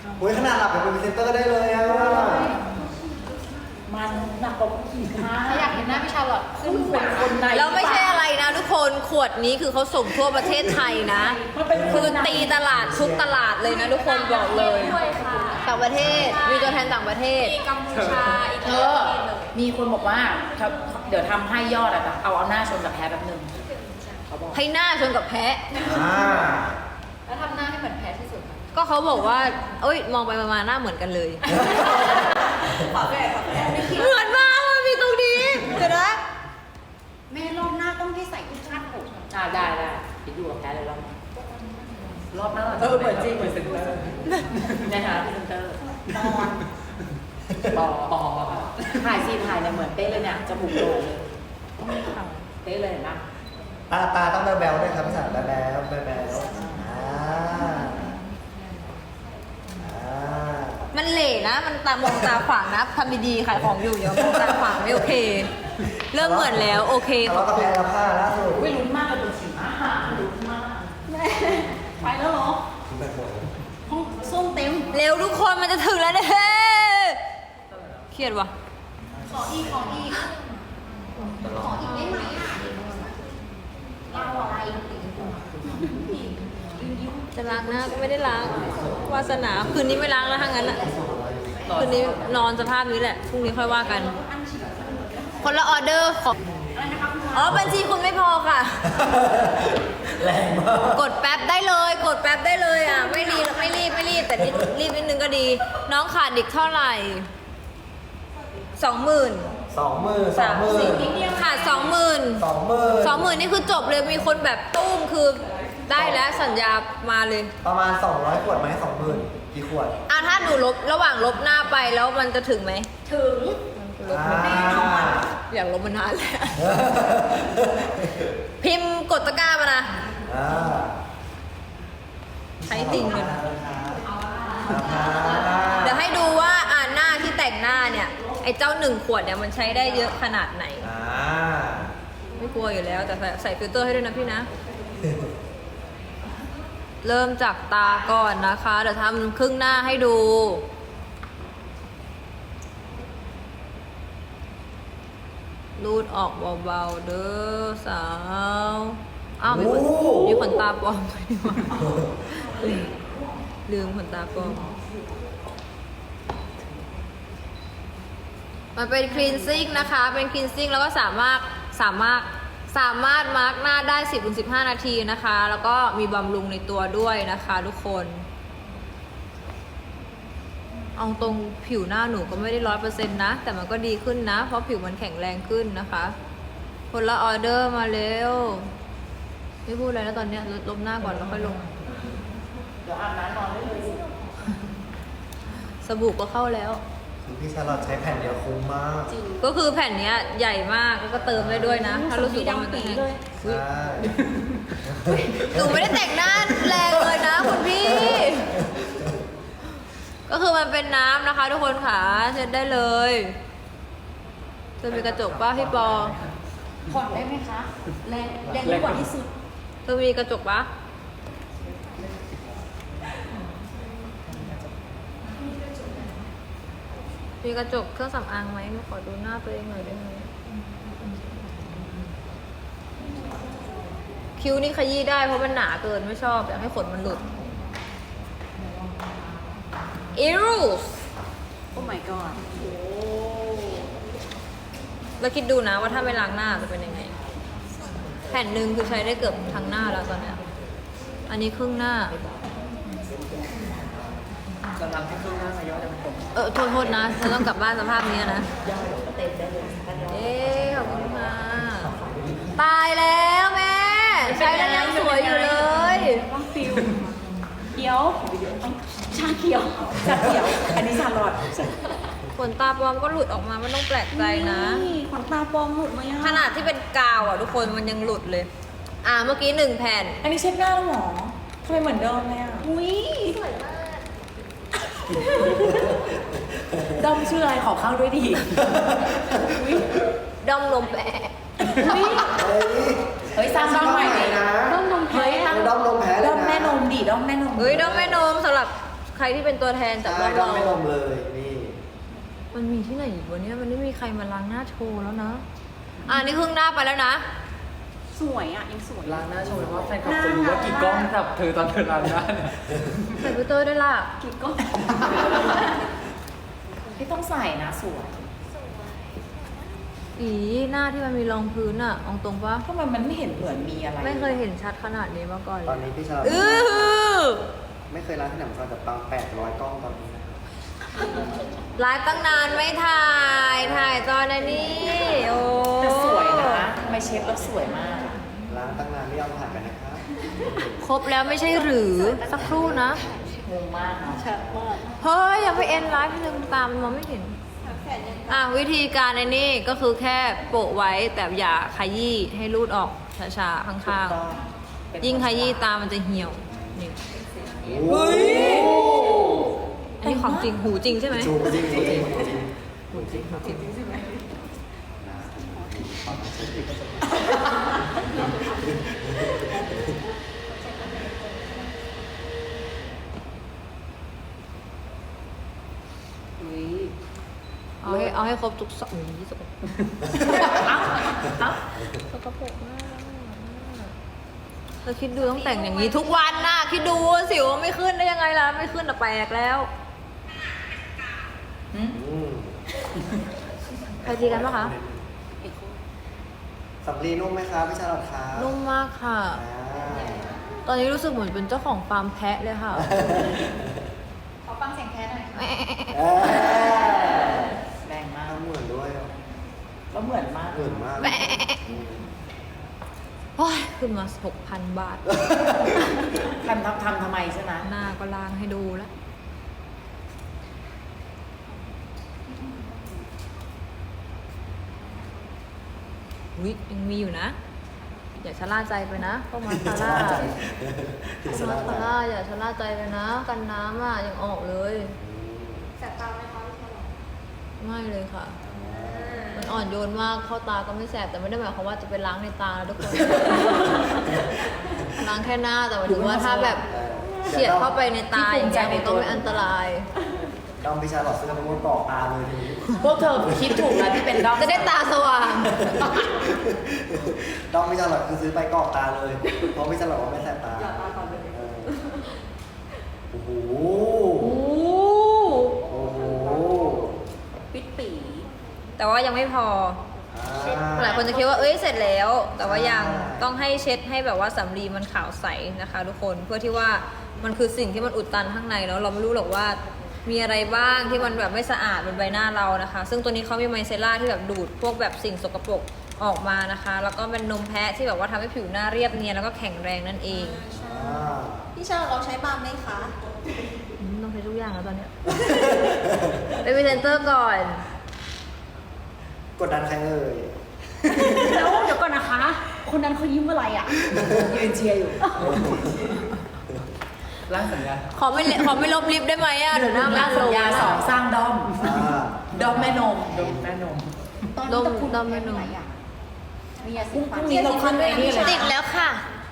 โอ้ยขนาดหลับเป็นพรีเซนเตอร์ได้เลยอ่ะมันหนักกว่าขี่ม้าถ้าอยากเห็นหน้าพี่ชาลอตขึ้นเป็นคนในแล้วไม่ใช่อะไรนะทุกคนขวดนี้คือเขาส่งทั่วประเทศไทยนะ คือตีตลาดทุกตลาดเลยนะทุกคนบอกเลยด้วยค่ะต่างประเทศมีตัวแทนต่างประเทศมีกัมพูชาอีกเธอมีคนบอกว่าเดี๋ยวทำให้ยอดอะแต่เอาหน้าชนกับแพ้แบบนึงเขาบอกให้หน้าชนกับแพะอ่าแล้วทำหน้าให้เหมือนแพ้ที่สุดค่ะก็เขาบอกว่าเอ้ยมองไปมาหน้าเหมือนกันเลยขอแพ้ไม่คิดเหมือนมากมันมีตรงนี้เดี๋ยวนะแม่รอบหน้าต้องให้ใส่กุชชั่นผมได้คิดดูกับแพ้เลยรอบหน้าเหมือนจริงเหมือนเซนเตอร์ในฐานะพรีเซนเตอร์ปอถ่ายซีนถ่ายเนี่ยเหมือนเป๊ะเลยเนี่ยจมูกโด่งเลยเป๊ะเลยเห็นปะตาต้องแบ๊วๆด้วยครับภาษาแบ๊วๆแบ๊วๆมันเหล่นะ มันตามองตาขวางนะทำดีๆขายของอยู่อย่ามองตาขวางไม่โอเค เริ่มเหมือนแล้วโอเคทะเลาะกับแพ้แล้วผ้าล่าสุดไม่ลุ้นมากเลยเป็นสีม้าหาลุ้นมากไปแล้วเหรอคุณไปหมดห้องส้มเต็มเร็วทุกคนมันจะถึงแล้วเนี่ยเครียดว่ะขออีกได้ไหมอ่ะเราอะไรจะล้างหน้าก็ไม่ได้ล้างวาสนาคืนนี้ไม่ล้างแล้วทั้งนั้นอ่ะคืนนี้นอนสภาพนี้แหละพรุ่งนี้ค่อยว่ากัน คนละออเดอร์ของอ๋อบัญชีคุณไม่พอค่ะแรงมากกดแป๊บได้เลย กดแป๊บได้เลยอ่ะไม่รีบแต่รีบนิดนึงก็ดี น้องขาดอีกเท่าไหร่ 20,000 20,000 ขาด 20,000 20,000 นี่คือจบเลยมีคนแบบตุ้มคือได้แล้วสัญญามาเลยประมาณ200 ขวดไหม20,000กี่ขวดอ่ะถ้าหนูลบระหว่างลบหน้าไปแล้วมันจะถึงไหมถึงอยากลบมานานแล้ว พิมพ์กดตะกร้ามานะ ใช้จริงเลยนะ เดี๋ยวให้ดูว่าหน้าที่แต่งหน้าเนี่ย ไอ้เจ้า1 ขวดเนี่ยมันใช้ได้เยอะขนาดไหน ไม่กลัวอยู่แล้วแต่ใส่ฟิลเตอร์ให้ด้วยนะพี่นะ เริ่มจากตาก่อนนะคะ เดี๋ยวทำครึ่งหน้าให้ดู รูดออกเบาๆเด้อสาว อ้าวมีขนตาปลอมไปดีกว่าลืมขนตาปลอม มันเป็นคลีนซิ่งนะคะ เป็นคลีนซิ่งแล้วก็สามารถมาร์กหน้าได้ 10-15 นาทีนะคะ แล้วก็มีบำรุงในตัวด้วยนะคะทุกคน เอาตรงผิวหน้าหนูก็ไม่ได้100%นะ แต่มันก็ดีขึ้นนะ เพราะผิวมันแข็งแรงขึ้นนะคะ คนละออเดอร์มาเร็ว ไม่พูดอะไรแล้วตอนเนี้ยลบหน้าก่อนแล้วค่อยลงเดี๋ยวอาบน้ำนอนได้เลยสิสบู่ก็เข้าแล้วคือพี่ชาลอตใช้แผ่นเดียวคุ้มมากก็คือแผ่นเนี้ยใหญ่มากแล้วก็เติมได้ด้วยนะ ถ้ารู้สึกว่ามันจะแห้งใช่หนูไม่ได้แต่งหน้าแรงเลยนะคุณพี่ ก็คือมันเป็นน้ำนะคะทุกคนค่ะเช็ดได้เลยจะมีกระจกป่ะพี่ปอผ่อนได้ไหมคะแรงยิ่งกว่าที่สุดจะมีกระจกป่ะมีกระจกเครื่องสำอางไหมมาขอดูหน้าตัวเองหน่อยได้ไหมคิ้วนี่ขยี้ได้เพราะมันหนาเกินไม่ชอบอยากให้ขนมันหลุดอิรูสโอ้ my god แล้วคิดดูนะว่าถ้าไม่ล้างหน้าจะเป็นยังไง แผ่นหนึ่งคือใช้ได้เกือบทั้งหน้าแล้วตอนเนี้ยอันนี้ครึ่งหน้าจะทำให้เครื่องหน้าขย้อนจะเป็นผมโทษนะฉันต้องกลับบ้านสภาพนี้นะย่อยเต็มได้เลยเอ๊ขอบคุณค่ะตายแล้วแม่ ใช้แล้วยังสวยอยู่เลยต้องฟิลเขียวชาเขียวชาเขียว อันนี้ชาลอดขนตาปลอมก็หลุดออกมาไม่ต้องแปลกใจนะนี่ขนตาปลอมหลุดมายังขนาดที่เป็นกาวอ่ะทุกคนมันยังหลุดเลย เมื่อกี้1 แผ่นอันนี้เช็ดหน้าแล้วหรอทำไมเหมือนเดิมเลยอ่ะอุ้ยสวยมากด้อมชื่ออะไรขอเข้าด้วยดิด้อมนมแปะเฮ้ยสร้างด้อมใหม่ดินะต้องนมแพ้เฮ้ยตั้งด้อมลมแพ้เลยนะด้อมแม่นมดิด้อมแม่นมเฮ้ยด้อมแม่นมสำหรับใครที่เป็นตัวแทนจากใช่เราด้อมไม่ลมเลยนี่มันมีที่ไหนอีกวะเนี่ยมันไม่มีใครมาล้างหน้าโชว์แล้วนะนี่ครึ่งหน้าไปแล้วนะสวยอ่ะยังสวยล้างหน้าโชว์ว่าแฟนคลับจะรู้ว่ากี่กล้องจับเธอตอนเธอล้างหน้าเนี่ยใส่ฟิลเตอร์ด้วยล่ะกิ๊กก็พี่ต้องใส่นะสวยหน้าที่มันมีรองพื้นอะเอาตรงปะทำไมมันไม่เห็นเหมือนมีอะไรไม่เคยเห็นชัดขนาดนี้มาก่อนตอนนี้พี่ชาลอตอื้อไม่เคยร้านที่ไหนมาก่อนแต่ปัง800กล้องตอนนี้นะครับไลฟ์ตั้งนานไม่ถ่ายตอนนี้โอ้แต่สวยนะทำไมเชฟแล้วสวยมากร้านตั้งนานไม่ยอมถ่ายกันนะครับครบแล้วไม่ใช่หรือสักครู่นะงงมากเนาะชัดมากเฮ้ยอย่าไปเอ็นไลฟ์นึงตามมันมองไม่เห็นวิธีการในนี่ก็คือแค่โปะไว้แต่อย่าขยี้ให้รูดออกช้าๆข้างๆยิ่งขยี้ตามันจะเหี่ยวนี่โอ้ยอันนี้ของจริงหูจริงใช่ไหมจูจริงจริงจริงหูจริงหูจริงอุ้ยเอาให้ครบทุกสองนี้สกปรกเอ้าสกปรกมากเราคิดดูต้องแต่งอย่างนี้ทุกวันน่ะคิดดูสิวไม่ขึ้นได้ยังไงล่ะไม่ขึ้นอ่ะแปลกแล้วอืมใครตีกันปะคะสำลีนุ่มไหมครับพี่ชาลอตครับนุ่มมากค่ะอ่าตอนนี้รู้สึกเหมือนเป็นเจ้าของฟาร์มแพะเลยค่ะขอฟังเสียงแคทหน่อยเอ้ยแรงมากทำเหมือนด้วยอ่ะก็เหมือนมากเหมือนมากโอ้ยขึ้นมา 6,000 บาททำทำไมใช่ไหมหน้าก็ล้างให้ดูแล้ว วิยังมีอยู่นะ อย่าชะล่าใจไปนะพวกมาสคาร่าพี่พวชาก ลมาอสตคาร่าอย่าชะล่าใจไปนะ กันน้ำอ่ะยังออกเลยแสบตาไหมคะพี่ชาลอตไม่เลยค่ะ มันอ่อนโยนมากเข้าตาก็ไม่แสบแต่ไม่ได้หมายความว่าจะไปล้างในตานะทุกคน ล้างแค่หน้าแต่หมายถึงว่าถ้าแบบเฉียดเข้าไปในตาอย่างเงี้ยมันก็ไม่อันตรายด้อมพี่ชาลอตซื้อมาเป็นกรอกตาเลยทีนี้พวกเธอคิดถูกนะที่เป็นด้อมจะได้ตาสว่างด้อมพี่ชาลอตคือซื้อไปกรอกตาเลย เพราะพี่ชาลอตว่าไม่แสบตาอย่าตาก่อนเลยเออโอ้โหโอ้โอ้โหปิดปีแต่ว่ายังไม่พอ หลายคนจะคิดว่าเอ้ยเสร็จแล้ว แต่ว่ายังต้องให้เช็ดให้แบบว่าสำลีมันขาวใสนะคะ ทุกคนเพื่อที่ว่ามันคือสิ่งที่มันอุดตันข้างในแล้วเราไม่รู้หรอกว่ามีอะไรบ้างที่มันแบบไม่สะอาดบนใบหน้าเรานะคะ ซึ่งตัวนี้เขามีไมเซล่าที่แบบดูดพวกแบบสิ่งสกปรกออกมานะคะ แล้วก็เป็นนมแพะที่แบบว่าทำให้ผิวหน้าเรียบเนียนแล้วก็แข็งแรงนั่นเองอ่าพี่ชาลอตเราใช้บาล์มไหมคะต้องใช้ทุกอย่างแล้วตอนเนี้ย เป็นพรีเซนเตอร์ก่อนกดดันใครเอ่ยแล้วเดี๋ยวก่อนนะคะ คนนั้นเขายิ้มอะไรอ่ะยืนเชียร์อยู่ร่างสัญญาขอไม่ลบลิฟต์ได้ไหมอ่ะเดี๋ยวหน้าร่างสัญญาสองสร้างด้อมอ่าด้อมแม่นมด้อมแม่นมตอนนี้ตะคุณดมไม่นมไหนอ่ะมียาสีพรุ่งนี้เราขึ้นไอ้นี่เลยติดแล้วค่ะ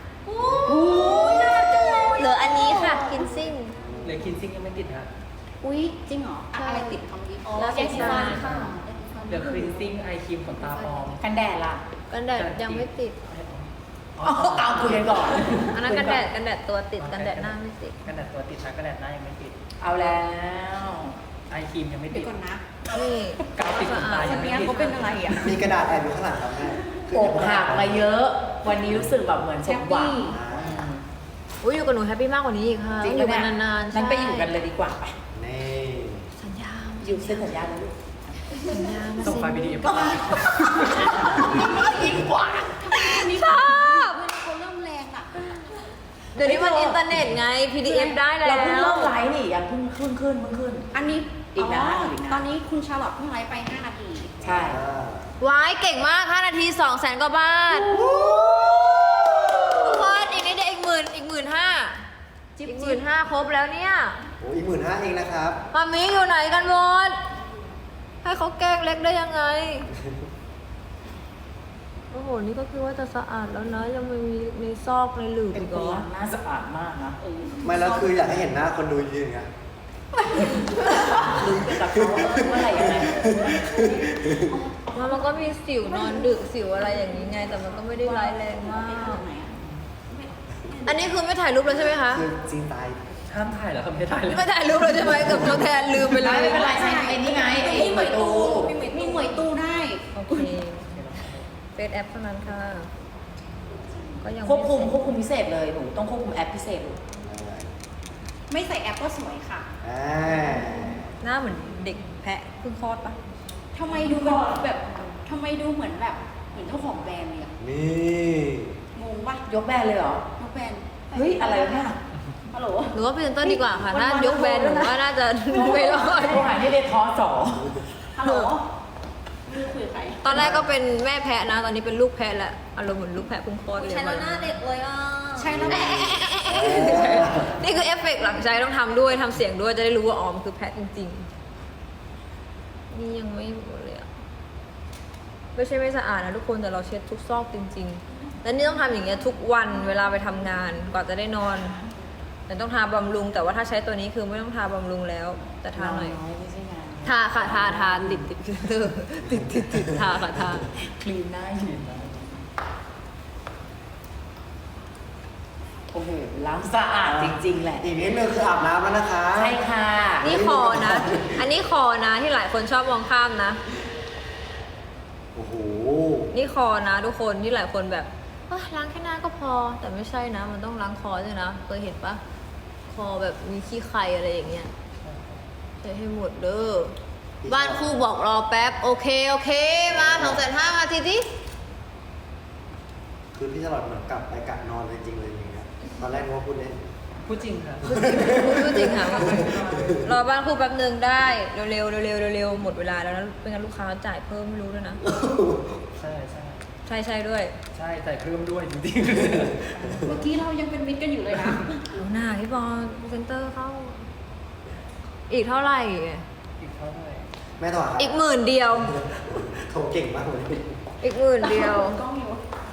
เหลืออันนี้ค่ะคินซิ่งเหลือคินซิ่งยังไม่ติดฮะอุ้ยจริงเหรออะไรติดคำนี้แล้วยาสีฟันค่ะเหลือครีนซิ่งไอครีมขนตาปลอมกันแดดล่ะกันแดดยังไม่ติดเอาคุยกันก่อนอันนั้นกันแดดตัวติดกันแดดหน้าไม่ติดกันแดดตัวติดนะกันแดดหน้ายังไม่ติด เอาแล้วไอครีมยังไม่เดี๋ติยวดก่อนนะนี่กาวติดขนตาคนเนี้ยเขาเป็นอะไรอ่ะมีกระดาษแอบอยู่ข้างหลังครับแม่อกหักมาเยอะ วันนี้รู้สึกแบบเหมือนสมหวังอ่าอุ้ยอยู่กับหนูแฮปปี้มากกว่านี้อีกค่ะจริงอยู่ปะกันเนี่ยนานๆนั้นไปอยู่กันเลยดีกว่าไปนี่สัญญาอยู่เส้นสัญญาแล้วลูกสัญญามาส่งไฟล์สิ PDF ยิ่งกว่าชอบเขาเริ่มแรงอ่ะเดี๋ยวนี้มันอินเทอร์เน็ตไง PDF ได้แล้วเราเพิ่งเริ่มไลฟ์นี่ยังเพิ่งขึ้นอันนี้อีกนะอีกนะตอนนี้คุณชาลอตเพิ่งไลฟ์ไป 5 นาทีใช่อ่าว้ายเก่งมาก5นาที200,000 กว่าบาททุกคนอีกนิดเดียวอีก15,000อีก15,000ครบแล้วเนี่ยโอ้อีก15,000เองนะครับมามีอยู่ไหนกันหมด ให้เขาแกล้งเล็กได้ยังไง โอ้โห นี่ก็คือว่าจะสะอาดแล้วนะ ยังไม่มีในซอกในหลืบเป็นอีกคเหรนอล้างหน้าสะอาดมากนะไม่แล้วคืออยากให้เห็นหน้าคนดูยืนไงลุ้นไปกับเขาว่าเมื่อไหร่ยังไงมันก็มีสิวนอนดึกสิวอะไรอย่างนี้ไง แต่มันก็ไม่ได้ร้ายแรงมาก อันนี้คือไม่ถ่ายรูปแล้วใช่ไหมคะคือจริงตายห้ามถ่ายแล้วครับไม่ถ่ายเลยไม่ถ่ายรูปแล้วใช่ไหมกับน้องแทนลืมไปเลยไม่เป็นไรใช่ไอ้นี่ไงไอ้เหมยตูมีหมวยตู้ได้โอเคเฟซแอปเท่านั้นค่ะ ก็ยังควบคุมพิเศษเลยหนูต้องควบคุมแอปพิเศษไม่ใส่แอปก็สวยค่ะอ่าหน้าเหมือนเด็กแพะเพิ่งคลอดปะทำไมดูแบบทำไมดูเหมือนแบบเหมือนเจ้าของแบรนด์เลยอะนี่งงปะยกแบรนด์เลยเหรอน้องแบรนด์เฮ้ยอะไรวะเนี่ยฮัลโหลหรือว่าพรีเซนเตอร์ดีกว่าค่ะน่ายกแบรนด์หนูว่าน่าจะไม่รอดโทรหาที่เดทอสอฮัลโหลไม่รู้คุยกับใครตอนแรกก็เป็นแม่แพะนะ ตอนนี้เป็นลูกแพะแล้วอารมณ์เหมือนลูกแพะเพิ่งคลอดเลยใช้แล้วหน้าเด็กเลยอ่ะใช่แล้วนี่คือเอฟเฟกต์หลังใจต้องทำด้วยทำเสียงด้วยจะได้รู้ว่าอ๋อมนคือแพะจริงๆ นี่ยังไม่หมดเลยอะไม่ใช่ไม่สะอาดนะทุกคนแต่เราเช็ดทุกซอกจริงๆ แล้วนี่ต้องทำอย่างเงี้ยทุกวันเวลาไปทำงานกว่าจะได้นอนแต่ต้องทาบำรุง แต่ว่าถ้าใช้ตัวนี้คือไม่ต้องทาบำรุงแล้ว แต่ทาหน่อยไม่ใช่งานทาค่ะทาติดทาค่ะทาคลีนหน้าอยู่โอ้โหล้างสะอาดจริงๆแหละอีกนิดนึงคืออาบน้ำแล้วนะคะใช่ค่ะนี่คอนะ อันนี้คอนะที่หลายคนชอบมองข้ามนะโอ้โหนี่คอนะทุกคนที่หลายคนแบบล้างแค่หน้าก็พอ แต่ไม่ใช่นะ มันต้องล้างคอด้วยนะเคยเห็นปะคอแบบมีขี้ไคอะไรอย่างเงี้ยใช้ให้หมดเด้อบ้านครูบอกรอแป๊บโอเคมา250,000มาทีดิคือพี่ตลอดเหมือนกลับไปกะนอนเลยจริงเลยอย่างเงี้ยตอนแรกนึกว่าพูดเล่นพูดจริงค่ะพูดจริงค่ะรอบ้านครูแป๊บนึงได้เร็วหมดเวลาแล้วนะเป็นงั้นลูกค้าจ่ายเพิ่มไม่รู้ด้วยนะใช่ใช่ด้วยใช่แต่เพิ่มด้วยจริงเมื่อกี้เรายังเป็นมิตรกันอยู่เลยนะดูหน้าพี่บอลเซนเตอร์เข้า อีกเท่าไหร่อีกเท่าไหร่แม่ถอดครับอีก10,000เดียวโทรเก่งมากเลยอีก10,000เดียวกล้องอยู่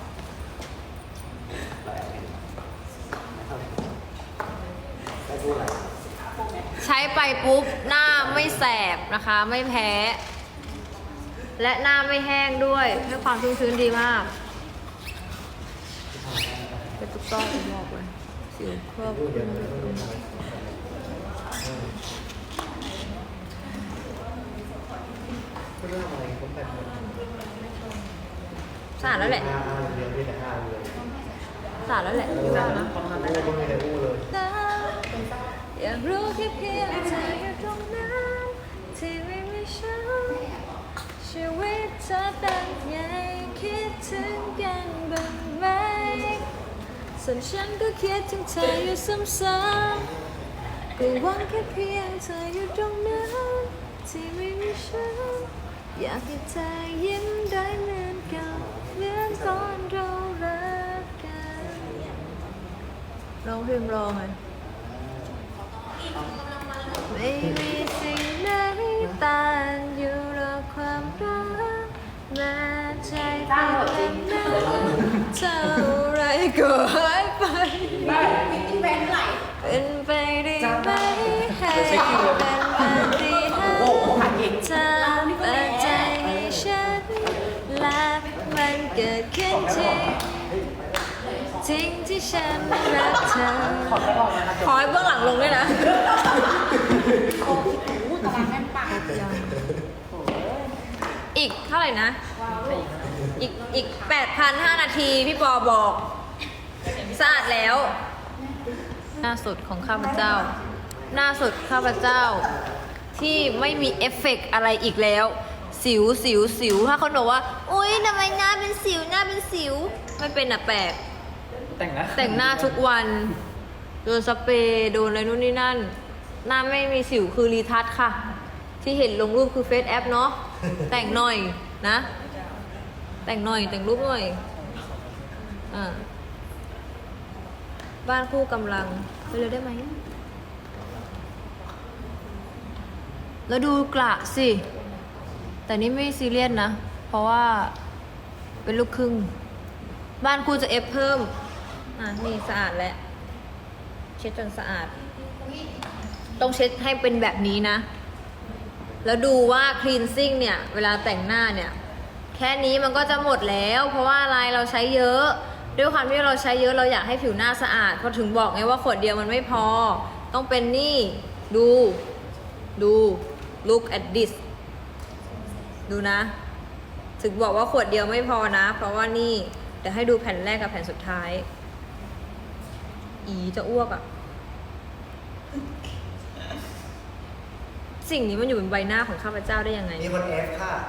ไม่พูดอะไรใช้ไปปุ๊บหน้าไม่แสบนะคะ ไม่แพ้ และหน้าไม่แห้งด้วยให้ความชื้นๆดีมากเป็นตุ๊กต้อผมบอกเลยสิวครอบพูดเดี๋ยวมันไม่รู้ทำไมพูดเรื่องอะไรผมไปหมดสะอาดแล้วแหละเรียนที่แต่ห้าเลยสะอาดแล้วแหละพี่ว่านะพูดไม่ได้พูดเลยอยากรู้แค่เพียงเธออยู่ตรงนั้นที่ไม่มีฉันชีวิตเธอเป็นไงคิดถึงกันบ้างไหมส่วนฉันก็คิดถึงเธออยู่ซ้ำๆก็หวังแค่เพียงเธออยู่ตรงนั้นที่ไม่มีฉันอยากให้เธอยิ้มได้เหมือนเก่าเหมือนตอนเรารักกันร้องเพลงรอไงไม่มีสิ่งไหนต้านอยู่หรอกความรักแม้ใจเป็นแบบนั้นเท่าไรก็หายไปมิตรแบรนด์ไหลเป็นไปได้ไหมให้เป็นปาฏิหาริย์เธอเปิดใจให้ฉันและมันเกิดขึ้นจริงที่ฉันรักเธอขอให้เบื้องหลังลงด้วยนะโอ้โหตารางแน่นปากอีกเท่าไหร่นะ อีก 8,005 นาทีพี่ปอบอกสะอาดแล้ว หน้าสุดของข้าพเจ้า หน้าสุดข้าพเจ้า ที่ไม่มีเอฟเฟกต์อะไรอีกแล้ว สิวถ้าคนบอกว่าอุ๊ยทำไมหน้าเป็นสิวไม่เป็นอะแปลกแต่งนะแต่งหน้าทุกวันโดนสเปรย์โดนอะไรนู่นนี่นั่น หน้าไม่มีสิวคือรีทัชค่ะ ที่เห็นลงรูปคือเฟซแอปเนาะแต่งหน่อยนะ แต่งรูปหน่อยบ้านคู่กำลังไปเลยได้ไหมแล้วดูกระสิ แต่นี่ไม่ซีเรียสนะ เพราะว่าเป็นลูกครึ่ง บ้านคู่จะเอฟเพิ่มนี่สะอาดแล้วเช็ดจนสะอาดต้องเช็ดให้เป็นแบบนี้นะ แล้วดูว่าคลีนซิ่งเนี่ยเวลาแต่งหน้าเนี่ยแค่นี้มันก็จะหมดแล้ว เพราะว่าอะไรเราใช้เยอะด้วยความที่เราใช้เยอะเราอยากให้ผิวหน้าสะอาดพอถึงบอกไงว่าขวดเดียวมันไม่พอต้องเป็นนี่ดู look at this ดูนะ ถึงบอกว่าขวดเดียวไม่พอนะเพราะว่านี่เดี๋ยวให้ดูแผ่นแรกกับแผ่นสุดท้ายจะอ้วกอะสิ่งนี้มันอยู่บนใบหน้าของข้าพเจ้าได้ยังไงมีคนเอฟค่ะ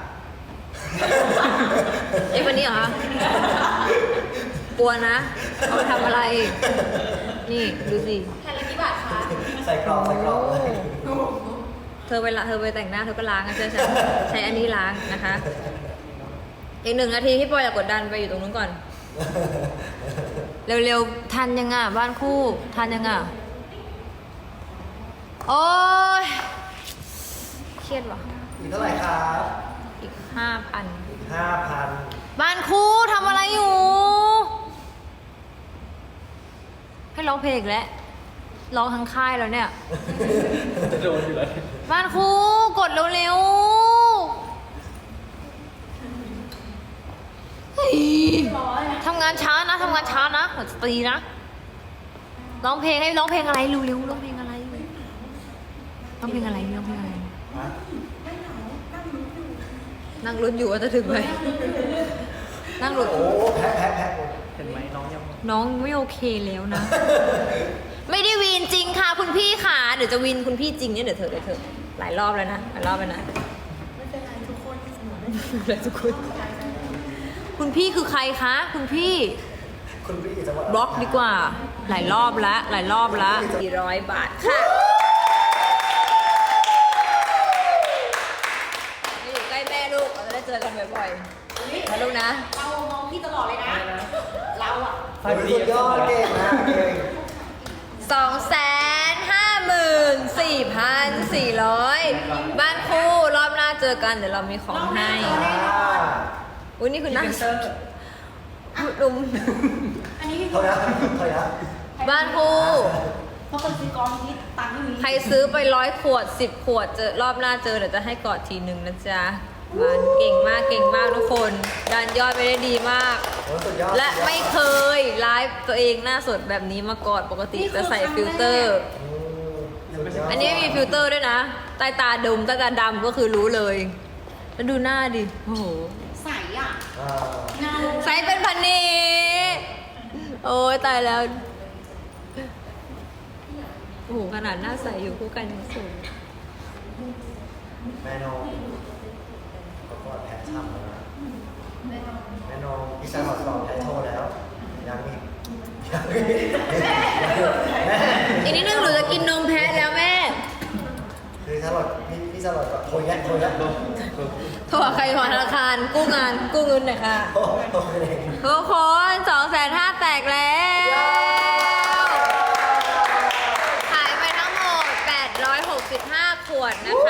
วันนี้เหรอคะกลัวนะเอาไปทำอะไร นี่ดูสิแผ่นละกี่บาทคะใส่กรอบเลยเธอไปแต่งหน้าเธอก็ล้างนะเชื่อฉันใช้อันนี้ล้างนะคะ อีก1 นาทีพี่ปอยอย่ากดดันไปอยู่ตรงนู้นก่อน เร็วๆทันยังอ่ะบ้านคู่ทันยังอ่ะโอ้ยเครียดว่ะอีกเท่าไหร่ครับอีก 5,000 อีก5,000 บ้านคู่ทำอะไรอยู่ ให้ร้องเพลงอีกแล้วร้องทั้งค่ายแล้วเนี่ยจะโดนอยู่เลยบ้านคู่กดเร็วๆเฮ้ยทำงานช้านะเราจะตีนะร้องเพลงให้ร้องเพลงอะไรเร็วๆร้องเพลงอะไรฮะนั่งลุ้นอยู่ว่าจะถึงไหมนั่งลุ้นโอ้แพ้เห็นไหมน้องยังน้องไม่โอเคแล้วนะ ไม่ได้วีนจริงค่ะคุณพี่ค่ะเดี๋ยวจะวีนคุณพี่จริงเนี่ยเดี๋ยวเธอหลายรอบแล้วนะไม่เป็นไรทุกคนคุณพี่คือใครคะคุณพี่คุณพี่จังหวัดบล็อกดีกว่าหลายรอบแล้ว400 บาทค่ะไม่อยู่ใกล้แม่ลูกเราจะได้เจอกันบ่อยๆนะลูกนะเรามองพี่ตลอดเลยนะ เราอะสุดยอดเก่งนะเก่ง 254,400 บ้านคู่รอบหน้าเจอกันเดี๋ยวเรามีของให้ อุ้ยนี่คือนั่งลุมอันนี้พี่เท่านั้นบ้านคู่เพราะคนซื้อกองที่ตังค์ไม่มีใครซื้อไป100 ขวด 10 ขวดเจอรอบหน้าเจอเดี๋ยวจะให้กอดทีนึงนะจ๊ะบ้านเก่งมากทุกคนดันยอดไปได้ดีมากโอ้สุดยอดและไม่เคยไลฟ์ตัวเองหน้าสดแบบนี้มาก่อนปกติจะใส่ฟิลเตอร์สุดยดอันนี้ไม่มีฟิลเตอร์ด้วยนะใต้ตาดำก็คือรู้เลยแล้วดูหน้าดิโอ้โหใสอะอ่าเงาใส่เป็นพันนี้โอ้ยตายแล้วโอ้โหขนาดหน้าใสอยู่คู่กันยังสูงแม่น้องเขาก็แพ้ช่ำแล้วนะแม่น้องพี่ชายขอสอบไทโทแล้วยังอีกแม่อีกนิดนึงหนูจะกินนมแพะแล้วแม่คือชาลอตพี่ชาลอตก็โทรยัดโทรหาใครโทรธนาคารกู้เงินหน่อยค่ะโอ้โหเลยทุกคน250,000แตกแล้วขายไปทั้งหมด865 ขวดนะคะ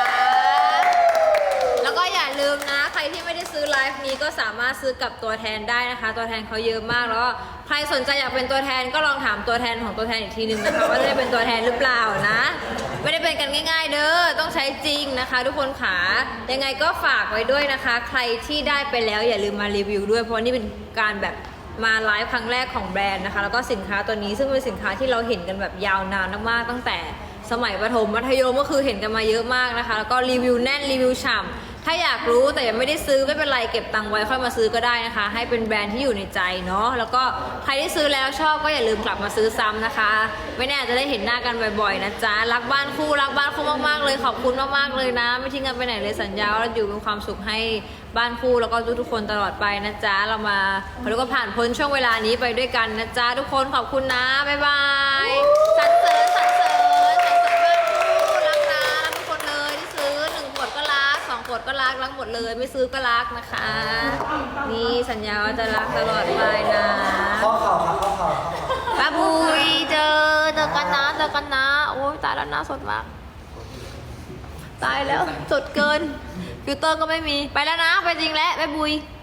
แล้วก็อย่าลืมนะใครที่ไม่ได้ซื้อไลฟ์นี้ก็สามารถซื้อกับตัวแทนได้นะคะ ตัวแทนเขาเยอะมากแล้วก็ใครสนใจอยากเป็นตัวแทนก็ลองถามตัวแทนของตัวแทนอีกทีนึงนะคะว่าจะได้เป็นตัวแทนหรือเปล่านะ ไม่ได้เป็นกันง่ายๆเด้อต้องใช้จริงนะคะ ทุกคนขายังไงก็ฝากไว้ด้วยนะคะ ใครที่ได้ไปแล้วอย่าลืมมารีวิวด้วยเพราะนี่เป็นการแบบมาไลฟ์ครั้งแรกของแบรนด์นะคะแล้วก็สินค้าตัวนี้ซึ่งเป็นสินค้าที่เราเห็นกันแบบยาวนานมากๆตั้งแต่สมัยประถมมัธยมก็คือเห็นกันมาเยอะมากนะคะแล้วก็รีวิวแน่นรีวิวฉ่ำถ้าอยากรู้แต่ยังไม่ได้ซื้อไม่เป็นไรเก็บตังค์ไว้ค่อยมาซื้อก็ได้นะคะให้เป็นแบรนด์ที่อยู่ในใจเนาะแล้วก็ใครที่ซื้อแล้วชอบก็อย่าลืมกลับมาซื้อซ้ำนะคะไม่แน่จะได้เห็นหน้ากันบ่อยๆนะจ๊ะรักบ้านคู่มากๆเลยขอบคุณมากๆเลยนะไม่ทิ้งกันไปไหนเลยสัญญาว่าเราอยู่เป็นความสุขให้บ้านคู่แล้วก็ทุกๆคนตลอดไปนะจ๊ะเรามาเราก็ผ่านพ้นช่วงเวลานี้ไปด้วยกันนะจ๊ะทุกคนขอบคุณนะบ๊ายบายสรรเสริญบ้านคู่รักนะรักทุกคนเลยที่ซื้อ1 ขวดก็รัก2 ขวดก็รักหมดเลยไม่ซื้อก็รักนะคะ นี่สัญญาว่าจะรักตลอดไปนะข้อเข่าครับข้อเข่าป้าบุยเจอกันนะโอ้ยตายแล้วหน้าสดมากตายแล้วสดเกินฟิลเตอร์ก็ไม่มีไปแล้วนะไปจริงแล้วบ๊ายบุย